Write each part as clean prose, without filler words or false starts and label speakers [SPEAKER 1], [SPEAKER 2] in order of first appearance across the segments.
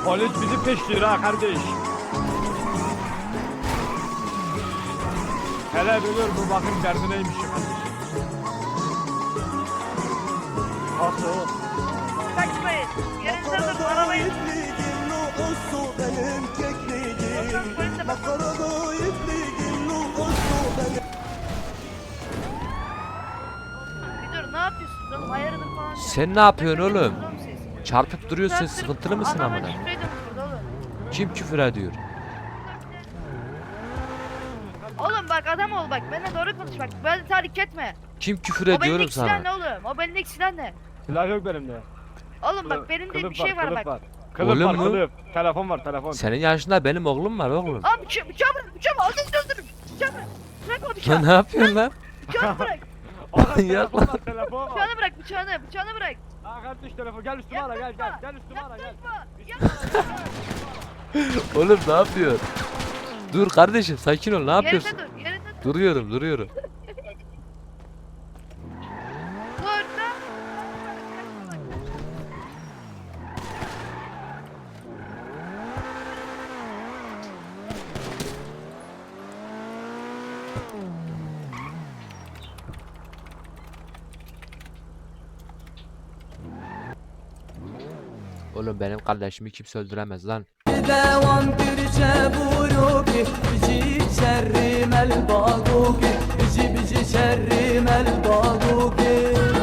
[SPEAKER 1] Polis bizi peşliyor ha kardeş. Hele bilir bu bakın derdi neymiş kardeşim. Asıl oğlum.
[SPEAKER 2] Kaçmayın. Yerinize durun arabayı. Bir dur ne yapıyorsunuz oğlum ayarıdır falan.
[SPEAKER 3] Sen ne yapıyorsun oğlum?
[SPEAKER 2] Oğlum siz.
[SPEAKER 3] Çarpıp duruyorsun,
[SPEAKER 2] Saattir
[SPEAKER 3] sıkıntılı mısın
[SPEAKER 2] adama
[SPEAKER 3] amına?
[SPEAKER 2] küfür ediyorsunuz burada oğlum.
[SPEAKER 3] Kim küfür ediyor?
[SPEAKER 2] Oğlum bak adam ol bak benimle doğru konuş bak böyle tahrik etme.
[SPEAKER 3] Kim küfür
[SPEAKER 2] O
[SPEAKER 3] ediyorum
[SPEAKER 2] belindeki silah ne
[SPEAKER 3] sana?
[SPEAKER 2] oğlum? O belindeki silah ne?
[SPEAKER 1] Silah yok benim
[SPEAKER 2] Oğlum bak benim de bir şey var bak.
[SPEAKER 1] Kılıf
[SPEAKER 3] Oğlum
[SPEAKER 1] var
[SPEAKER 3] mu?
[SPEAKER 1] kılıf. Telefon var telefon.
[SPEAKER 3] Senin yaşında benim oğlum var oğlum.
[SPEAKER 2] Abi bıçağı bırak bıçağı bırak. Aldın öldürürüm. Bıçağı bırak. Bırak o
[SPEAKER 3] Lan
[SPEAKER 2] bıçağı.
[SPEAKER 3] ne yapıyorsun lan?
[SPEAKER 2] Bıçağı bırak.
[SPEAKER 1] Aha,
[SPEAKER 3] Manyak
[SPEAKER 1] telefon var telefon var.
[SPEAKER 2] Bıçağını bırak bıçağını. Bıçağını bırak.
[SPEAKER 1] Aa kardeş telefon gel üstüme ara gel gel. Gel üstüme ara gel.
[SPEAKER 2] Yaklaşma.
[SPEAKER 3] Oğlum ne yapıyorsun? Dur kardeşim sakin ol ne yapıyorsun?
[SPEAKER 2] Yerinde dur. Yerinde dur.
[SPEAKER 3] Duruyorum.
[SPEAKER 2] Bu arada.
[SPEAKER 3] Oğlum benim kardeşimi kimse öldüremez lan.
[SPEAKER 4] دوام ترجع بروكي بيجي شرم الباقوكي بيجي شرم الباقوكي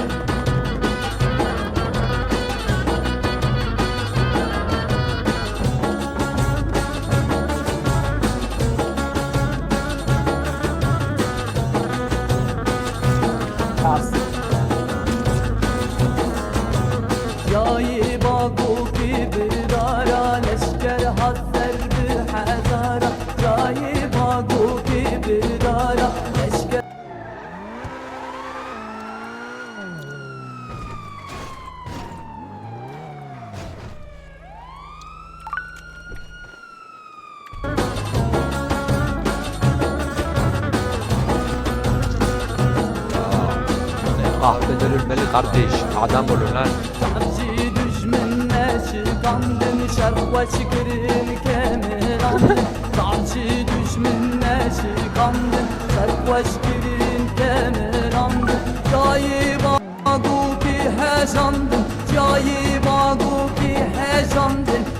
[SPEAKER 4] جاي باقوكي بدارا لشكر حذر بحذارة جاي باقوكي بدارا لشكر
[SPEAKER 3] Kahveler ölmeli kardeş. Adam olun lan.
[SPEAKER 4] تعجي دجمن ناشقاندن شرقة شكرين كاملاندن تعجي دجمن ناشقاندن شرقة شكرين كاملاندن جاي باقوكي هجاندن جاي باقوكي هجاندن